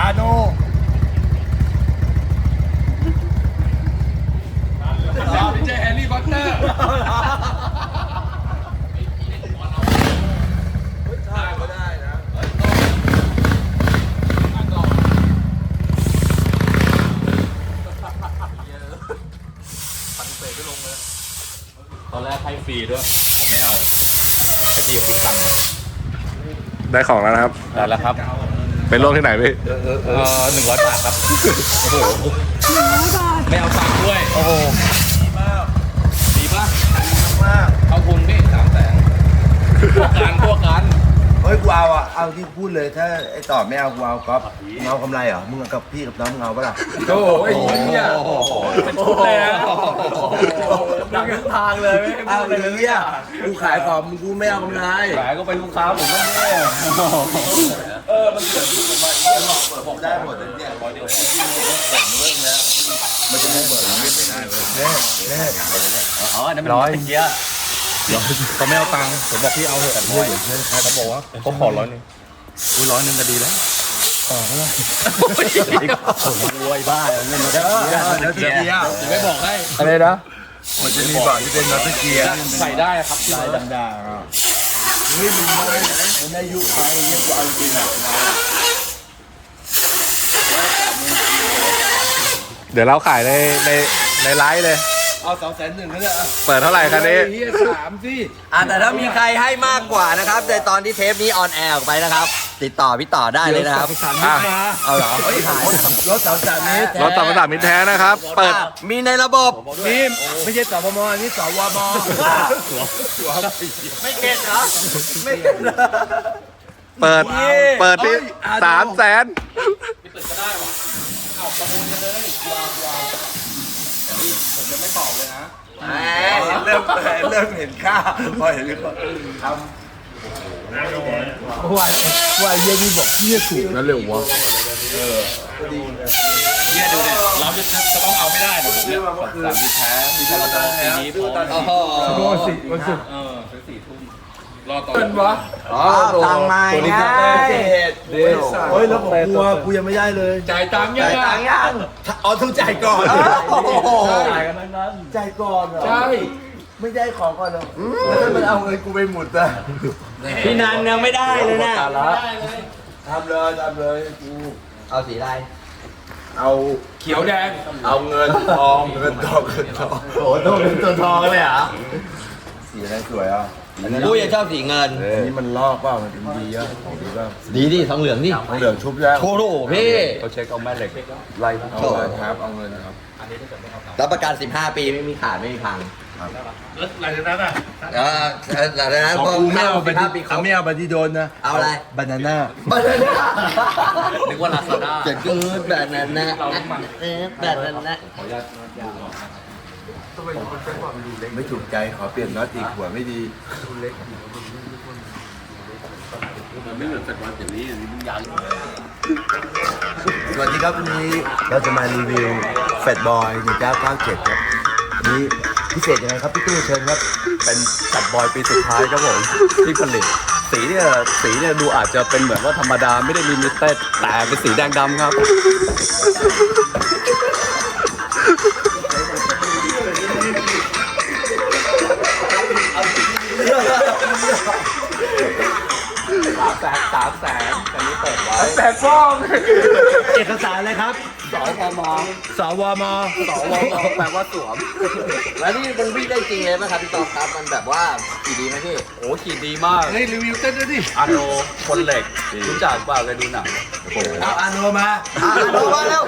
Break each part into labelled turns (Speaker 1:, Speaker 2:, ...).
Speaker 1: โน
Speaker 2: ไม่ใช่แฮร์รี่พอตเตอร์
Speaker 1: ได้ก็ได้นะ
Speaker 2: ตอนแรกให้ฟรีด้วยไม่เอาไอ้พี่คิดตังค์
Speaker 3: ได้ของแล้วนะครับ
Speaker 2: ได้แล้วครับ
Speaker 3: เป็นโรคที่ไหนพี่
Speaker 2: 100 บาทครับ โอ้โหไม่เอาตังค์ด้วย โอ้โหดีป่ะ
Speaker 1: มาก
Speaker 2: เอาทุนพี่300,000พวกกัน
Speaker 1: เฮ้ยกูเอาอ่ะเอาที่พูดเลยถ้าไอ้ต่อไม่เอากูเอาก๊อฟมึงเอากำไรเหรอมึงกับพี่กับน้องมึงเอาปะล่ะ
Speaker 2: โอ้ยเนี่ยเป็นชุดเลยนะดังทุกทางเลย
Speaker 1: เอาเลยเนี่ยกูขายของมึงกูไม่เอากำไร
Speaker 2: ขายก็เป็นลูกค้าผมก็แน่มันเกิดขึ้นมา
Speaker 1: ผมได้หมดเลยเนี่ยเดี๋ยวคุณที่มึงแข่งเรื่องแล้วมันจะไม่เบิกไม่ได้เลยแน่
Speaker 2: อ๋อนั่นมัน100เกียร์เขาไม่เอาตังค์ผมบอกพี่เอาเถอะด้วยเขาบอกว่าเขาขอ100 นึงอุ้ย100 นึงก็ดีแล้วโอ้ยบ้าเงินมาได้
Speaker 1: แล้วเกียร์
Speaker 2: ไม่บอกให้
Speaker 3: อะไรนะ
Speaker 1: มันจะมีบ่อที่เป็นนัตเกียร์
Speaker 2: ใส่ได้ครับที่
Speaker 1: ลายด่างๆอ่ะเฮ้ยมึงไม่ยุไปเนี่ยกูเอาจริงอ่ะ
Speaker 3: เดี๋ยวเราขายในไลฟ์เลย
Speaker 1: เอา200,001เขาเนี่ย
Speaker 3: เปิดเท่าไหร่คันนี้
Speaker 1: เฮีย3สิ
Speaker 4: แต่ถ้ามีใครให้มากกว่านะครับในตอนที่เทปนี้ออนแอร์ออกไปนะครับ ติดต่อพี่ต่อได้เลยนะครับ
Speaker 3: อ่ะ
Speaker 4: เอาเหรอ
Speaker 1: รถ3นี้
Speaker 3: รถต่อมาตามมิตรแท้นะครับ เปิด
Speaker 4: มีในระบบ
Speaker 1: นี่ไม่ใช่สพมอันนี้สวม
Speaker 4: ไม่เก็ตเหรอไม่เก็ตเหรอ
Speaker 3: เปิดที่300,000
Speaker 2: ไม่เปิดก็ได้ว่ะเอาประมูลกันเลยผมจะไม่ตอบเลยนะ
Speaker 1: เริ่มเห็นค่าพอเห็นก็ทำว่าเยี่ยนี่บอกเยี่ยถูกนะเร็ววะ
Speaker 2: เนี่ยดูเนี่ยเราจะต้องเอาไม่ได้นะผมเนี่ย3ปีแท้มีพรบปีนี้พร้อม
Speaker 1: วันศุกร์
Speaker 2: ซื้อ4 ทุ่มรอต่อ
Speaker 1: เป็นวะ
Speaker 4: ทางไม้ไง
Speaker 1: เฮ้ยแล้วผมกูยังไม่ได้เลย
Speaker 2: จ่ายตังค์ยัง
Speaker 4: ต่างยัง
Speaker 1: อ๋อต้องจ่ายก่อน
Speaker 2: จ่ายกันทั้งนั้น
Speaker 1: จ่ายก่อนเหรอ
Speaker 2: ใช่
Speaker 1: ไม่ได้ของก่อนเหรอแล้วถ้ามันเอาเงินกูไปหมดอะ
Speaker 4: พี่นันยังไม่ได้เลยนะ
Speaker 1: ทำเลยกู
Speaker 4: เอาสีอะไร
Speaker 1: เอา
Speaker 2: เขียวแดง
Speaker 1: เอาเงินทองโอ้โหต้องเป็นตัวทองเลยเหรอสีอะไรสวยอ่ะ
Speaker 4: กูยังชอบสีเงิน
Speaker 1: อันนี้มันลอกเปล่ามันดีอ่ะของดีเปล่า
Speaker 4: ดีดิทองเหลืองดิ
Speaker 1: เหลืองชุบแล้ว
Speaker 4: โคโรพี่
Speaker 2: เขาเช็คเอาแม่เหล็ก
Speaker 1: ไล่เอาเงินครับเอาเงินครับ
Speaker 4: รับประกัน15 ปีไม่มีขาดไม่มีพัง
Speaker 2: หลังจากนั้นอ่ะ
Speaker 4: หลังจากนั้นพอ
Speaker 1: กูไม่เอาไปที่
Speaker 4: 15 ปีครบ
Speaker 1: ไม่เอาไปที่โดนนะ
Speaker 4: เอาอะไร
Speaker 1: บานาน่า
Speaker 2: นึกว่าลาซาด้า
Speaker 4: จะเกิดแบบนั้นนะแบบนั้นนะ
Speaker 1: ไม่ถูกใจขอเปลี่ยนน็อตอีกหัวไม่ดี
Speaker 2: ไม่เหมือนสกอตอย่างนี้มันยัน
Speaker 1: สวัสดีครับวันนี้เราจะมารีวิวแฟตบอย1997ครับวันนี้พิเศษยังไงครับพี่ตู้เชิญครับ
Speaker 5: เป็นจัดบอยปีสุดท้ายครับผมที่ผลิตสีเนี่ยดูอาจจะเป็นเหมือนว่าธรรมดาไม่ได้ลิมิเต็ดแต่เป็นสีแดงดำครับ300,000อันนี้เปิดไว้
Speaker 1: แต่ฟ้องเอกสารอะไรครับ
Speaker 5: สวม
Speaker 1: สวม
Speaker 5: แปลว่าสวม
Speaker 4: แล้วนี่มันวิ่งได้จริงเลยไหมครับพี่ตองครับมันแบบว่าขี่ดีไหมพี่
Speaker 5: โอ้ขี่ดีมาก
Speaker 1: เฮ้ยรีวิวเต้นด้วยดิ
Speaker 5: อาโนคนเหล็กรู้จักเปล่าเคยดูหนังโอ้โห
Speaker 1: เอาอาโนมา
Speaker 4: ดูมาแล้ว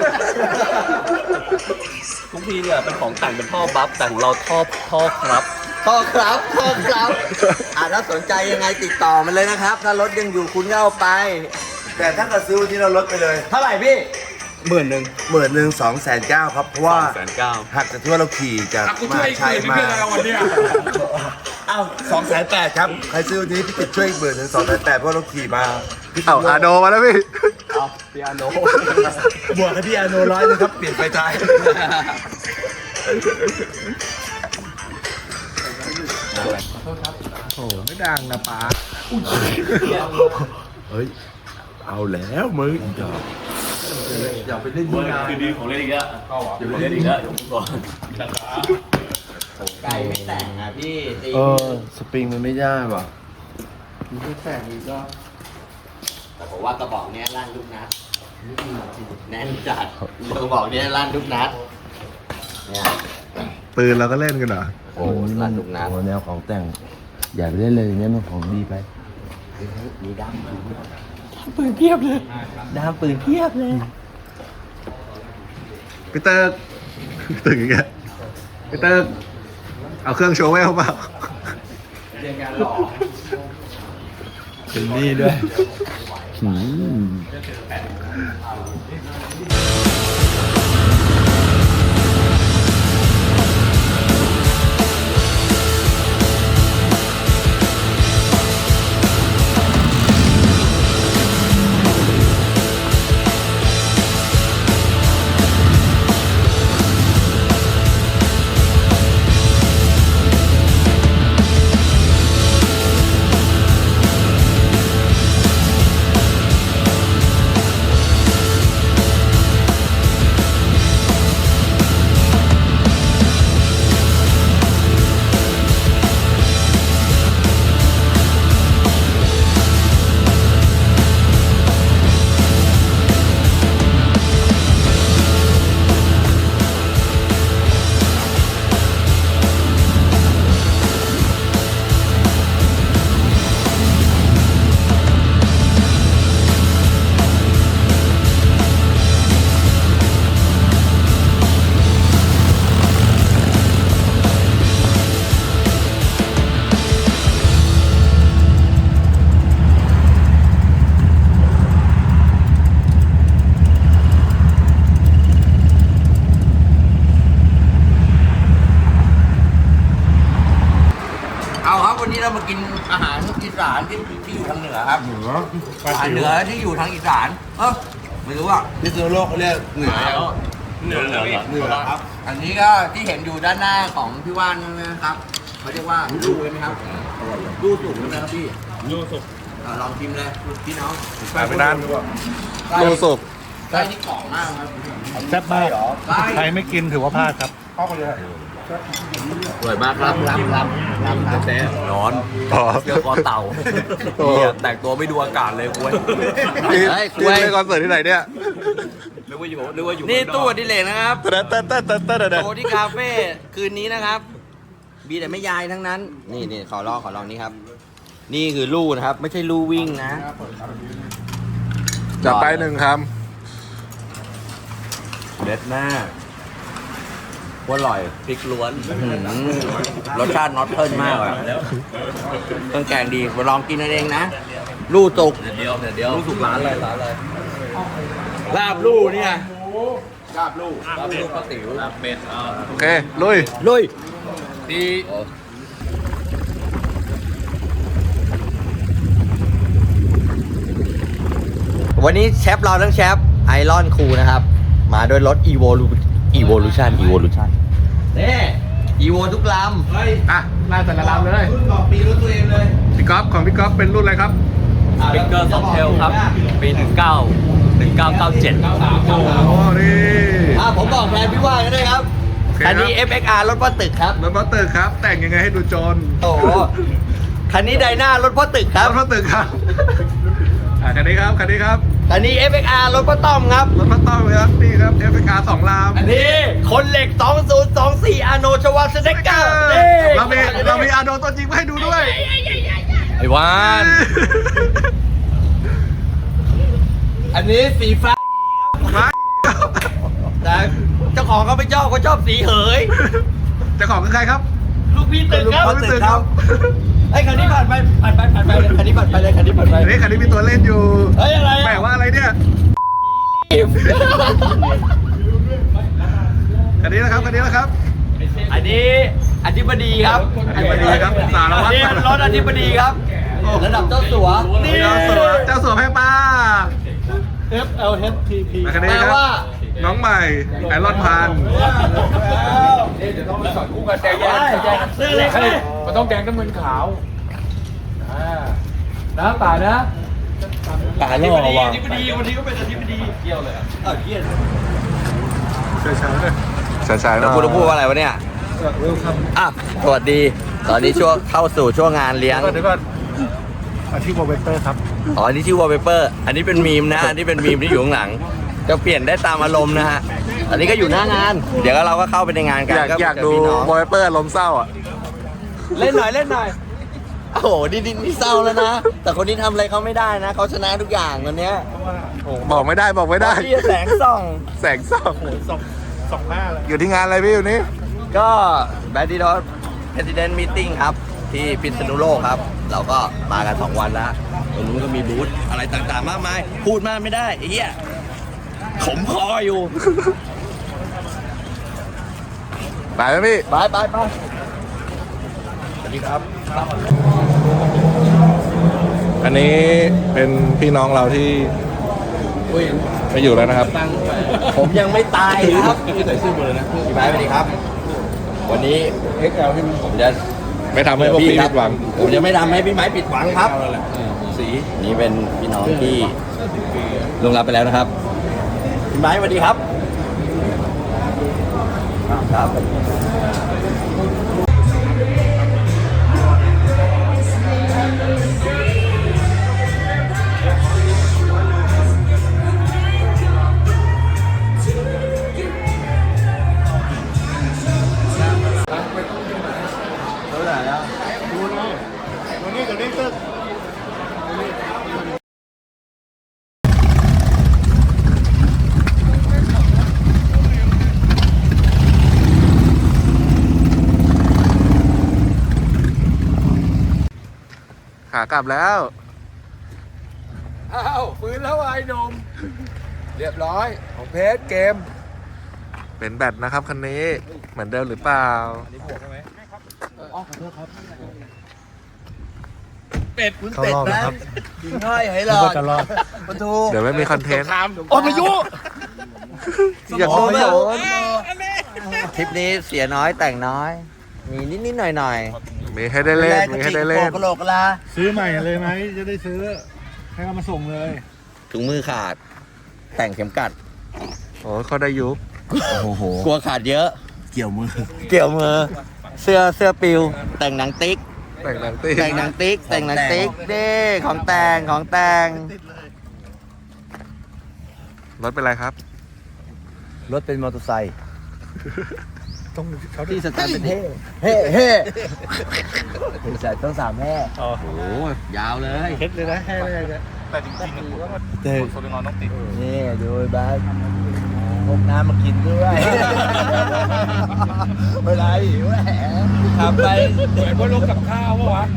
Speaker 5: ทุกทีเนี่ยเป็นของแต่งเป็นท่อบัฟแต่ของเราท่อครับ
Speaker 4: พ่อครับถ้าสนใจยังไงติดต่อมันเลยนะครับ ถ้ารถยังอยู่คุณก็เอาไป
Speaker 1: แต่ถ้าเกิดซื้อวันนี้เราลดไปเลย
Speaker 4: เท่าไหร่พี่
Speaker 1: 11,000 2,900ครับเพราะว่า
Speaker 5: 290,000
Speaker 1: หักจากที่ว่าเราขี่จาก
Speaker 2: กู
Speaker 1: ม
Speaker 2: ช่วย
Speaker 1: หาชัย
Speaker 2: คืน
Speaker 1: มา
Speaker 2: เพื่อนเราวันเนี้ย
Speaker 1: เอ้า2,800ครับใครซื้อวันนี้พี่ติดช่วยอีก10,000 ถึง 2,800เพราะเราขี่มาพี่
Speaker 3: เอาอาโดมาแล้วพี่
Speaker 5: เอาปิอาโน
Speaker 1: บวกให้พี่อาโน100นึงครับเปลี่ยนไฟท้าย โอ้ไม่ดังนะป๊าเฮ้ย เอาแล้วมึงอีกดอกอย่าไปเล่นยาว
Speaker 2: คือดีของเล่นอีกแล้วอย่าไปเล่นอีกแล้วก่อน
Speaker 4: ไก่ไม่แต่งอ่ะพี่ตี
Speaker 1: สปริงมันไม่ได้ว่ะมันไม่แต่งอีกแล้ว
Speaker 4: แต่ผมว่ากระบอกเนี้ยลั่นทุกนัดแน่นจัดกระบอกเนี้ยลั่นทุกนัดเนี่ย
Speaker 3: ปืนเราก็เล่นกันเหรอ
Speaker 4: โอ้ลั่นทุกนัด
Speaker 1: แนวของแต่ง อย่าไปเล่นเลยเนี่ยมันของดีไป
Speaker 4: มีด้ามปืนเพียบเลยด้ามปืนเพียบเลย
Speaker 3: พี่เตอร์ตึงอีกแล้วพี่เตอร์เอาเครื่องโชว์ไว้เอาเปล่า
Speaker 1: เป็นนี่ด้วย
Speaker 4: เอาครับวันนี้เรามากินอาหารอีสานที่อยู่ทางเหนือครับอาหารเหนือที่อยู่ทางอีสานไม่รู้อ่ะ
Speaker 1: พิษณุโลกเขาเรียกเหนือ
Speaker 2: เหนือครับ
Speaker 4: อันนี้ก็ที่เห็นอยู่ด้านหน้าของพี่ว่านนะครับเขาเรียกว่าลูกเลยไหมครับลูกสุกใช่ไหมครับพี่
Speaker 2: ลูกสุก
Speaker 4: ลองชิมเลยพี่น้อง
Speaker 3: ไปนั่นโลสุก
Speaker 4: ไส้นี่กรอบมากครับ
Speaker 6: แซ่บมาก
Speaker 4: ไส้
Speaker 6: ใครไม่กินถือว่าพลาดครับ
Speaker 5: สวยมากครับแต่นอน
Speaker 3: อ๋อ
Speaker 5: เจอคอเต่าเหี้ยแต่งตัวไม่ดูอากาศเลยคุย
Speaker 3: นี่เล่นคอนเสิร์ตที่ไหนเนี่ย
Speaker 5: นึกว่าอยู่
Speaker 4: นี่ตู้อดิเลกนะครับ
Speaker 3: เต้น
Speaker 4: โชว์ที่คาเฟ่คืนนี้นะครับมีแต่ไม่ยายทั้งนั้น นี่ขอลองนี่ครับ นี่คือลู่นะครับ ไม่ใช่ลู่วิ่งนะ
Speaker 3: จับไปหนึ่งค
Speaker 4: เด็ดมากอร่อย
Speaker 5: พริกล้วน
Speaker 4: รสชาติน็อตเทิลมากอ่ะเครื่องแกงดีมาลองกินเองนะ ลู่สุก
Speaker 5: เดี๋ยวรู้สึกร้านอะไร
Speaker 4: ลาบลู่เนี่ย
Speaker 5: ลาบลูกป้าติ๋วลาบเป็ด
Speaker 3: ำโอเค ลุย
Speaker 4: ลุย
Speaker 5: ที่
Speaker 4: วันนี้เชฟเราทั้งเชฟไอรอนคูนะครับ มาด้วยรถ Evolution นี่ Evo ทุกลำ
Speaker 3: อ่ะไล่แต่ละลำเลย
Speaker 4: รุ่นต่อปีรถตัวเองเลย
Speaker 3: พี่ก๊อฟของพี่ก๊อฟเป็นรุ่นอะไรครับ
Speaker 5: บิ๊กเกอร์ซอฟเทลครับ ปี 1997
Speaker 3: โอ้โหนี่
Speaker 4: ผมบอกแทนพี่ว่ากันด้วยครับ
Speaker 3: โอเคครับ
Speaker 4: อันนี้ FXR รถพ่อตึกครับ
Speaker 3: รถบัสเตอร์ครับ แต่งยังไงให้ดูโจร
Speaker 4: โอ้โห คันนี้ไดนารถพ่อตึกครับ
Speaker 3: รถบัสเตอร์ครับคันนี้ครับ คันนี้ครับ
Speaker 4: คันนี้ FXR รถพ่อต้อมครับ
Speaker 3: รถบัสเตอร์ครับ นี่ครับ FXR 2 ลำ
Speaker 4: อันนี้คนเหล็ก 2024 อาโนชวาสเนกเกอร์
Speaker 3: เรามีอาโดตัวจริงมาให้ดูด้วย
Speaker 5: ไอ้วาน
Speaker 4: อันนี้สีฟ้า แต่เจ้าของเขาไม่ชอบเขาชอบสีเหย
Speaker 3: เจ้าของคือใครครับ
Speaker 4: ลูกพี่ตึกครับ
Speaker 3: ลูกพี่ตึกครับ
Speaker 4: ไอ้คันนี้ผ่านไปเลยคันนี้ผ่านไปเลยคันนี้ผ่านไป
Speaker 3: อันนี้คันนี้มีตัวเล่นอยู่
Speaker 4: เฮ้ยอะไร
Speaker 3: แปล
Speaker 4: อ่ะ
Speaker 3: ว่าอะไรเนี่ย คันนี้นะครับ คันนี้นะครับ
Speaker 4: อันนี้อธิบดีครับ
Speaker 3: อธิบดีครับสารวัตร
Speaker 4: อันนี้รถอธิบดีครับ ระดับเจ้าสัวนี่
Speaker 3: เจ้าสัวแพงปลา
Speaker 6: FLHTP
Speaker 3: คันนี้
Speaker 4: แปล
Speaker 3: ครับ
Speaker 4: ว่า
Speaker 3: น้องใหม่ไอรอนพาน
Speaker 4: ซื้อเลยครับ
Speaker 6: มันต้องแกงน้ำมันขาว นะป่านะ
Speaker 2: ป่าล่อว่ะ
Speaker 3: ช้าๆหน่
Speaker 4: แล้ว
Speaker 3: อย
Speaker 4: กูจะพูดว่าอะไรวะเนี่ยอ่ะสวัสดี ตอนนี้ช่วงเข้าสู่ช่วงงานเลี้ยง
Speaker 6: เดี๋ยวก่อนอาชีพโปรเวเตอร์ครับ
Speaker 4: อ๋อ อันนี้ชื่อ wallpaper อันนี้เป็นมีมนะ อันนี้เป็นมีมที่อยู่ข้างหลัง จะเปลี่ยนได้ตามอารมณ์นะฮะ อันนี้ก็อยู่หน้างาน เดี๋ยวเราก็เข้าไปในงานกัน
Speaker 3: อยาก
Speaker 4: เจ
Speaker 3: ดู
Speaker 4: พี่น้อง
Speaker 3: บอยเปอร์ลมณ์เศร้าอ่ะ
Speaker 4: เล่นหน่อยเล่นหน่อย โอ้โหนี่เศร้าแล้วนะ แต่คนนี้ทำอะไรเขาไม่ได้นะ เขาชนะทุกอย่างวันเนี้ย
Speaker 3: บอกไม่ได้
Speaker 4: พี่แสงส่อง
Speaker 3: แสงส่อง
Speaker 6: สองหน้าเลย
Speaker 3: อยู่ที่งานอะไรพี่อยู่นี่
Speaker 4: ก็แบดดี้ดอส President Meeting ครับ ที่พิษณุโลกครับ เราก็มากัน 2 วันแล้ว ตรงนู้นก็มีบูธอะไรต่างๆ มากมาย พูดมากไม่ได้ไอ้เหี้ยขมคออยู่
Speaker 3: ไปไหมพี่
Speaker 4: ไปสวัสดีครับ
Speaker 3: อันนี้เป็นพี่น้องเราที่ไม่อยู่แล้วนะครับ
Speaker 4: ผมยังไม่ตายครับใส่เสื้อเลยนะพี่ไม้สวัสดีครับ วันนี้ผมจะ
Speaker 3: ไม่ทำให้พวกพี่ผิดหวัง
Speaker 4: ผมจะไม่ทำให้พี่ไม้ผิดหวังครับสีนี่เป็นพี่น้องที่ลงรับไปแล้วนะครับพี่ไม้สวัสดีครับครับ
Speaker 3: ขากลับแล้ว
Speaker 5: อ้าวฟื้นแล้วไอ้หนุ่มเรียบร้อยของเพชรเกม
Speaker 3: เป็นแบตนะครับคันนี้ เหมือนเดิมหรือเปล่า
Speaker 6: เข้ารอบแล้วครับ
Speaker 4: กินง่อยให้หล
Speaker 6: นึก
Speaker 4: อ
Speaker 6: ว่า
Speaker 4: ด
Speaker 6: จะรอด
Speaker 4: ประตู
Speaker 3: เดี๋ยวไม่มีคอนเทนต์
Speaker 4: โอ้พายุ
Speaker 3: อยากโดน
Speaker 4: ทริปนี้เสียน้อยแต่งน้อย มีนิดๆหน่อย
Speaker 3: มีให้ได้เล่น มีให้ได้เล่น
Speaker 4: กระโหลกกะลา
Speaker 6: ซื้อใหม่เลยไหมจะได้ซื้อ ให้เอามาส่งเลย
Speaker 4: ถุงมือขาด แต่งเข็มกัด
Speaker 3: โอ้เขาได้ยุค
Speaker 4: กลัวขาดเยอะ
Speaker 1: เกี่ยวมือ
Speaker 4: เกี่ยวมือ เสื้อปิว แต่งหนังติ๊ก
Speaker 3: แต่งหนังตี
Speaker 4: แต่งหนังติ๊ก แต่งหนังติ๊กเด้ของแต่ง
Speaker 3: รถเป็นไรครับ
Speaker 4: รถเป็นมอเตอร์ไซค์
Speaker 6: ต้องเขา
Speaker 4: ที่สแตนเป็นเฮ่ใส่ต้อง3แห่
Speaker 6: อ๋อ
Speaker 4: โอ้โหยาวเลย
Speaker 6: เฮ็ดเลยนะแค่เลยนะ
Speaker 2: แต่จริงๆคนโซลินอนต้องติด
Speaker 4: นี่ดูบ้านพกน้ำมากินด้วยเวลาหิวแหมขับไป
Speaker 2: เหมือนว่าลงกับข้าววะ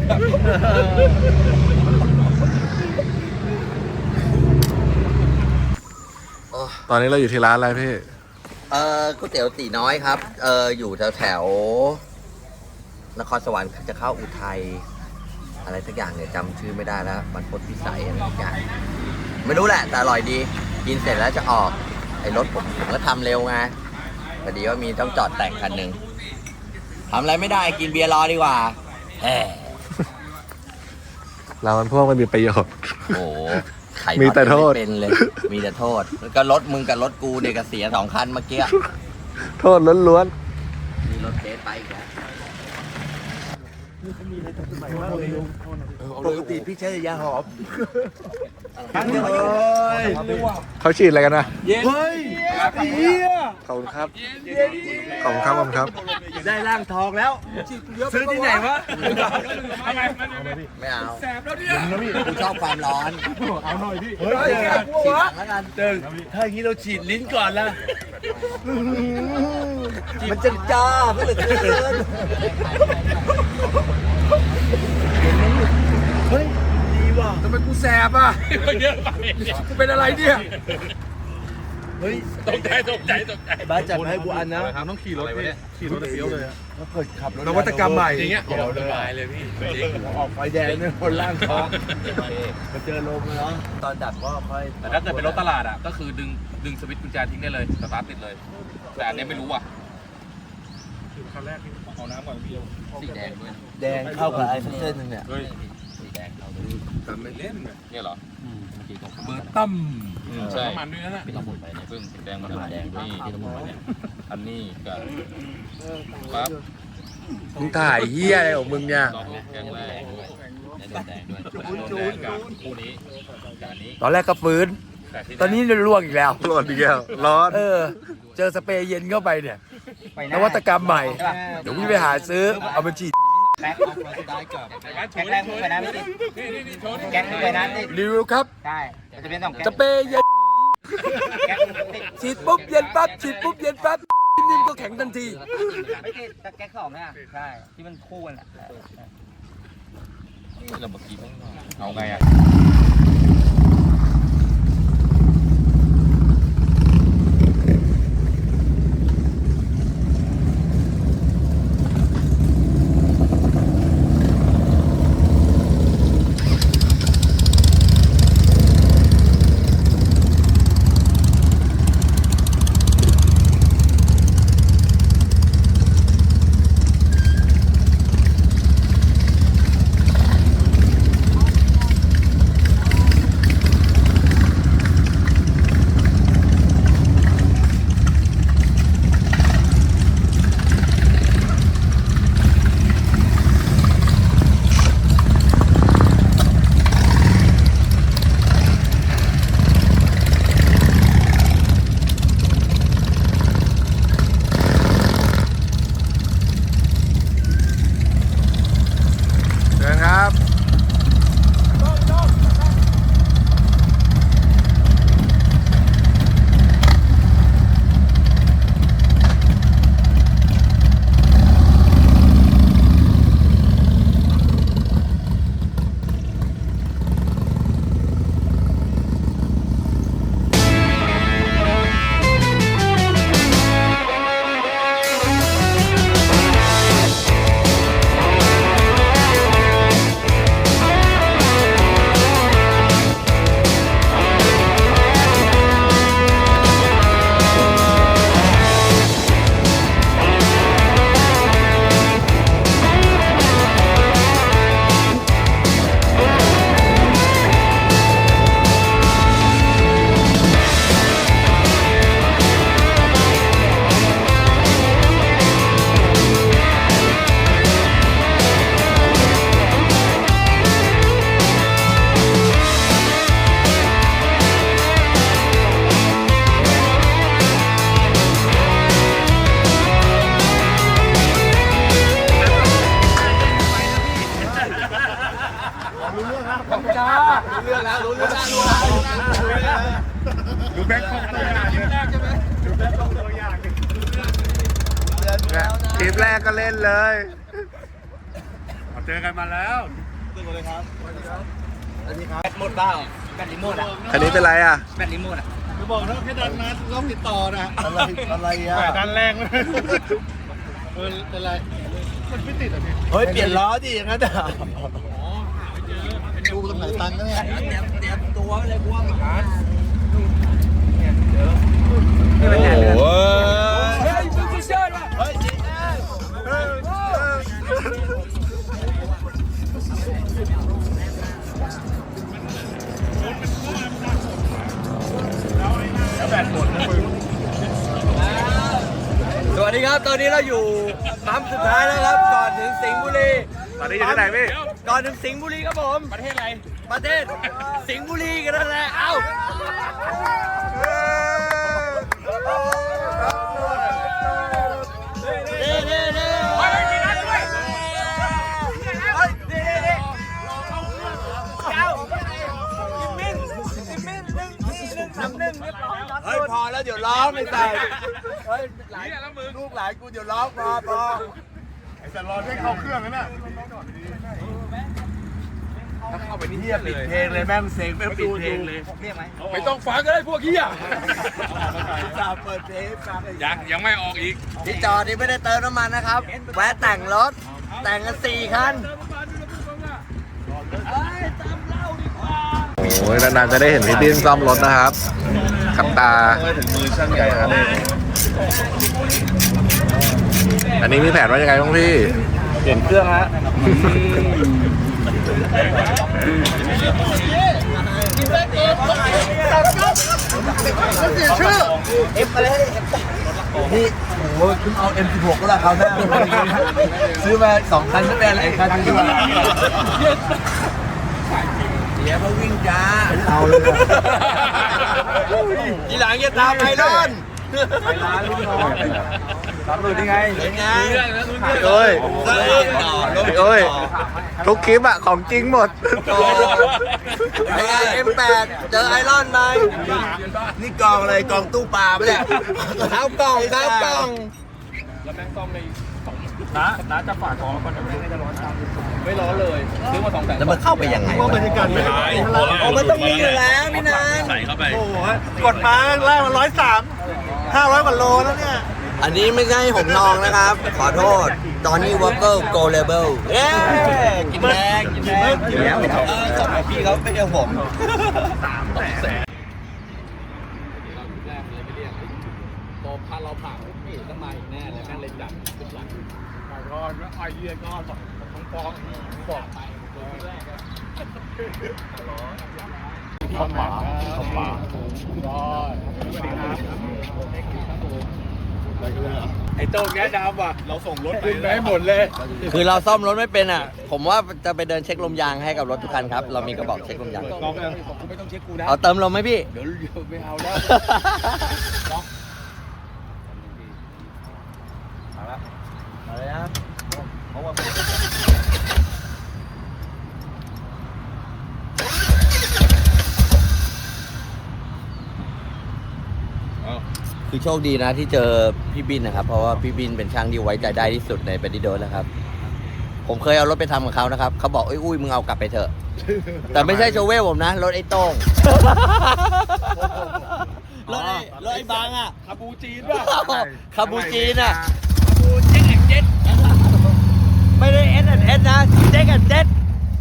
Speaker 3: ตอนนี้เราอยู่ที่ร้านอะไรพี่
Speaker 4: ก๋วยเตี๋ยวตีน้อยครับ อยู่แถวนครสวรรค์จะเข้าอุทัยอะไรสักอย่างเนี่ยจำชื่อไม่ได้แล้วบรรพตพิสัยอะไรสักอย่างไม่รู้แหละแต่อร่อยดี กินเสร็จแล้วจะออกไอ้รถผมก็ทำเร็วไงพอดีว่ามีต้องจอดแต่งคันหนึ่งทำอะไรไม่ได้กินเบียร์รอดีกว่าแหม
Speaker 3: เรามันพวกมันมีประโยชน์
Speaker 4: โอ้โหไข่
Speaker 3: มีแต่โทษ
Speaker 4: ไม่เป็นเลย มีแต่โทษแล้วก็รถมึงกับรถกูเด็กเสีย2 คันเมื่อกี้
Speaker 3: โทษล้วน
Speaker 4: มีรถเทสไปอีกแล้ว
Speaker 1: ปกติพี่ใช้ยาหอม
Speaker 3: ๆเขาฉีดอะไรกันนะ
Speaker 1: เฮ้ยเฮีย
Speaker 3: ขอบคุณครับ ขอบคุณครับ ขอบคุณครับ
Speaker 1: ได้ร่างทองแล้ว ซื้อที่ไหนวะ
Speaker 4: ไม่เอาแสบแล้วเนี่ยกูชอบความร้อน
Speaker 6: เอาหน่อยพี่
Speaker 1: เฮ้ย
Speaker 4: ฉีดหลังแล้วกัน
Speaker 1: ถ้าอย่างนี้เราฉีดลิ้นก่อนละ
Speaker 4: มันจะจ้าเพื่อเกิน
Speaker 1: เฮ้ย ดีว่ะ
Speaker 5: ทำไมกูแสบอ่ะกูเป็นอะไรเนี่ย
Speaker 1: เฮ้ย
Speaker 2: ตกใจ
Speaker 1: บ้าจัดมาให้กูอันนะ
Speaker 2: ต้องขี่รถพี่ขี่รถเฟี้ยวเลย
Speaker 1: แล้วเกิดขับรถ
Speaker 5: นวัตกรรมใหม่
Speaker 2: อย่างเงี้ยเราสบายเลยพี่จริง
Speaker 1: ออกไฟแดงเนี่ยคนล่างท้องมาเจอลมแล้วตอนดับก็ค่อย
Speaker 2: แต่ถ้าเกิดเป็นรถตลาดอ่ะก็คือดึงสวิตช์กุญแจทิ้งได้เลยสตาร์ทติดเลย แต่อันเนี้ยไม่รู้อ่ะ
Speaker 6: คันแรกที่เอาน้ำก่อนพี่
Speaker 4: สีแดงด้วย
Speaker 1: แดงเข้ากับไอ้เส้นนึงเนี่ย
Speaker 2: เฮ้ย
Speaker 4: สีแดงเรา
Speaker 1: ก
Speaker 2: เนี่ยเหรอ
Speaker 6: เบอร์ตั้ม
Speaker 2: ใช่มันด้วยนะพี่ต้องหมุนไปเนี่ยเพิ่งแดงมันแดงนี่ที่ต้องหมุนไปเนี่ยอันนี้กับปั๊บ
Speaker 1: มึงถ่ายเฮียอะไรของมึงเนี่ย
Speaker 2: ลองแกงแรกด้วยแดงด้วยกับคู่นี้กับอันนี้
Speaker 1: ตอนแรกก็ฟื้น ตอนนี้ล่วงอีกแล้ว
Speaker 3: ร้อนอีกแล้วร้อน
Speaker 1: เจอสเปรย์เย็นเข้าไปเนี่ยนวัตกรรมใหม่ เดี๋ยวพี่ไปหาซื้อ เอามาฉีด
Speaker 7: แก๊กแรกมึงไปนะพี่แก๊กมึงไปนะนี่
Speaker 1: รีวิวครับ
Speaker 7: ใช่จะเป็นสองแก๊ก
Speaker 1: สเปรย์เย็น
Speaker 7: แก๊กมึงติด
Speaker 1: ฉีดปุ๊บเย็นปั๊บ ฉีดปุ๊บเย็นปั๊บ นิ่มๆก็แข็งทันที
Speaker 7: ไม่ติดแต่แก๊กสองเนี่ยใช่ที่มันคู่กันอ่ะ
Speaker 2: เราเมื่อกี้ต้องเอาไงอ่ะ
Speaker 3: เชิญครับ
Speaker 6: ดูแบงค์ของตัวอย่างดูแบงค์ของตัวอย่าง
Speaker 3: คลิปแรกก็เล่นเลย
Speaker 6: เจอกันมาแล้ว
Speaker 7: แบตหมดเปล่าแบตรีโมทอ่ะ
Speaker 3: อันนี้เป็นไรอ่ะ
Speaker 7: แบตรีโมทอ่ะ
Speaker 6: จะบอกถ้าแค่ดันนั้นต้องติดต่อนะ
Speaker 1: อะไรอ่ะ
Speaker 6: ดันแรงเลยเป็นไรมันไม่ติดอ่ะพี่
Speaker 1: เฮ้ย เปลี่ยนล้อดิอย่างนั้นอ่ะ
Speaker 6: ดูตรงไหนตังค์ก็เนี่ย
Speaker 7: เตรียมตัวเลยพวกหา
Speaker 1: โอ้โห
Speaker 7: เฮ้ยมึงจะเชื่อป่ะ
Speaker 1: เฮ้ยจริงนะ
Speaker 4: สวัสดีครับ ตอนนี้เราอยู่ปั๊มสุดท้ายแล้วครับ ก่อนถึงสิงห์บุรี
Speaker 3: ตอนนี้อยู่ที่ไหนพี่
Speaker 4: ก่อนถึงสิงห์บุรีครับผม ประเทศอะไร ประเทศสิงห์บุรีกันนั่นแหละ เอ้า เด้เด้เด้เฮ้ยมีนัดด้วยเฮ้ยเด้เด้เก้าจิมมิ่ง1-1-1-1เรียบร้อย
Speaker 1: เฮ้ย พอแล้วเดี๋ยวร้องไม่ใส่เฮ้ยลูกหลานกูเดี๋ยวร้องพอ
Speaker 6: ไอ้สันรอให้เข้าเครื่องนั่นน่ะ
Speaker 1: เข้าไปนี่เฮียปิดเพลงเลยแม่งเซ็งแม่งปิดเพลงเลย
Speaker 7: เรียกไหม
Speaker 2: ไม่ต้องฟังก็ได้พวกเฮีย
Speaker 1: จะเปิดเพลงให้ฟัง
Speaker 2: ยังไม่ออกอีก
Speaker 4: ที่จอดนี่ไม่ได้เติมน้ำมันนะครับ แวะแต่งรถ แต่งกัน4 คัน
Speaker 3: โอ้ยนานๆจะได้เห็นพี่ดิ้นซ่อมรถนะครับขับตา
Speaker 1: ถึงมือช่างใหญ่ครับ
Speaker 3: อันนี้มีแผนว่ายังไงบ้างพี่
Speaker 2: เปลี่ยนเครื่องฮะ
Speaker 6: เสียชื่อ
Speaker 1: นี่โอ้โหคุณเอา M16 ก็ราคาหน้าซื้อมา2 คันไม่เป็นไรคันนึงดีกว่า
Speaker 4: เดี๋ยวมาวิ่งจ้า
Speaker 1: เอาเลย
Speaker 4: ทีหลังอย่าตามไอรอน
Speaker 1: ตามดูนี่ไง
Speaker 4: เป็นไง
Speaker 3: เอ้ย
Speaker 4: ต่อ
Speaker 3: เอ้ยทุกคลิปอะของจริงหมด
Speaker 4: เป็นไง M8 เจอไอรอนไหม
Speaker 1: นี่กองอะไรกองตู้ปลาปะเนี่ย
Speaker 4: เท้ากล่องเท้ากล่อง
Speaker 2: น้าจะฝากของก่อนจะไม่ร้อนไม่ร้อนเลยซื้อมา200,000
Speaker 4: แล้วมันเข้าไปยังไง
Speaker 6: ว่าบรรยากาศไม่ได้
Speaker 4: โอ้มันต้องมีอยู่แล้วพี่นาน
Speaker 2: ใส่เข้าไป
Speaker 6: โอ้โหกดมาแรกมัน103 500 กว่าโลแล้วเนี่ย
Speaker 4: อันนี้ไม่ใช่หงทองนะครับ ขอโทษตอนนี้วอลเกอร์โกลเลเบิลเอ๊กินแดงกินแดงกินแล้วสมัยพี่เขาไม่ใช่ผม
Speaker 2: พอพาเราผ่านนี่ต้องมาอีกแน่เลยแม่งเลยจับขึ้นหลังก็ไอเดียก็ต้องฟ้องบอกไปเข้าป่าไอ้โต้งแง่ดำว่ะเราส่งรถขึ้นไปให้หมดเลย
Speaker 4: คือเราซ่อมรถไม่เป็นอ่ะ ผมว่าจะไปเดินเช็คลมยางให้กับรถทุกคันครับ เรามีกระบอกเช็คลมยาง
Speaker 2: ลองยังกูไม่ต้องเช็คกูนะ
Speaker 4: เอาเติมลมไหมพี่
Speaker 2: เดี๋ยวไม่เอาแล้ว
Speaker 4: คือโชคดีนะที่เจอพี่บินนะครับ เพราะว่าพี่บินเป็นช่างที่ไว้ใจได้ที่สุดในเบดดี้โดสแล้วครับ ผมเคยเอารถไปทำกับเขานะครับ เขาบอกอุ้ยมึงเอากลับไปเถอะ แต่ไม่ใช่โชเวลผมนะ รถไอ้โต้งรถไอ้บางอ่ะ
Speaker 2: คาบูจีนป่ะ
Speaker 4: คาบูจีนอ่ะไม่ได้ S&S นะเจ๊กันเจ็ด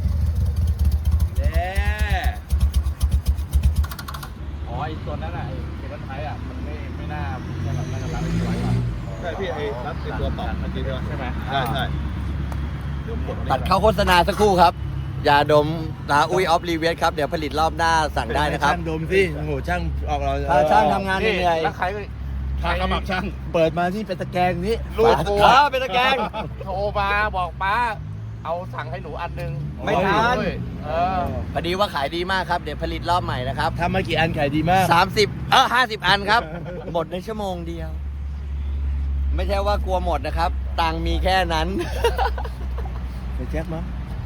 Speaker 2: อ๋อไอ้ตัวนั้นอ่ะไอ้เอกลักษณ์ไทยอ่ะมันไม่น่าจะแบบน่าจะรับไม่ไหวว่ะ
Speaker 6: ใช่พี่ไอ้รัดไอ้ตัวต่อเมื่อกี้ใช่ไหม
Speaker 2: ใช่ไหม
Speaker 6: ใช่
Speaker 4: ตัดเข้าโฆษณาสักครู่ครับยาดมนะอุ้ยออฟรีเวสครับ เดี๋ยวผลิตรอบหน้าสั่งได้นะครับ
Speaker 1: ช่างดมสิโอ้โหช่างออกเรา
Speaker 4: ถ้าช่างทำงานเหนื่อย
Speaker 2: แล้วใครก็ทางกระบะช่าง
Speaker 1: เปิดมาที่เป็นตะแกรงนี้
Speaker 2: ลูกกู
Speaker 4: เป็นตะแกรง
Speaker 2: โทรมาบอกป้า เอาสั่งให้หนูอันนึง
Speaker 4: ไม่ทัน
Speaker 2: เออ
Speaker 4: พอดีว่าขายดีมากครับ เดี๋ยวผลิตรอบใหม่นะครับ
Speaker 1: ทำมากี่อันขายดีมาก
Speaker 4: 50 อันครับ หมดในชั่วโมงเดียว ไม่ใช่ว่ากลัวหมดนะครับ ตังค์มีแค่นั้น
Speaker 1: ไปแจ็คมั้ง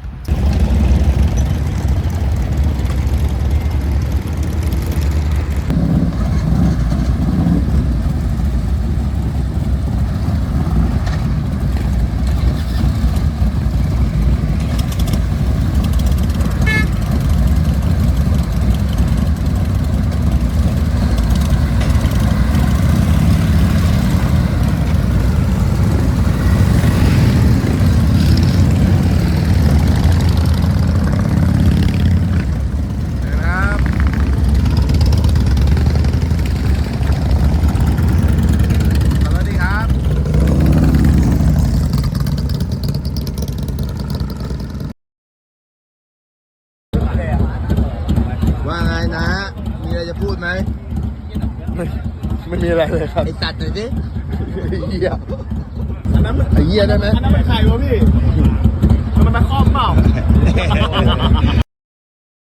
Speaker 1: ว่าไงนะ มีอะไรจะพูดไหม
Speaker 3: ไม่มีอะไรเลยครับ
Speaker 1: ไอสัตว์หน่อยสิ
Speaker 3: เหี้ย
Speaker 6: อันนั้นมัน
Speaker 3: ไอ้เหี้ยได้ไหม
Speaker 6: อันนั้นมันใครวะพี่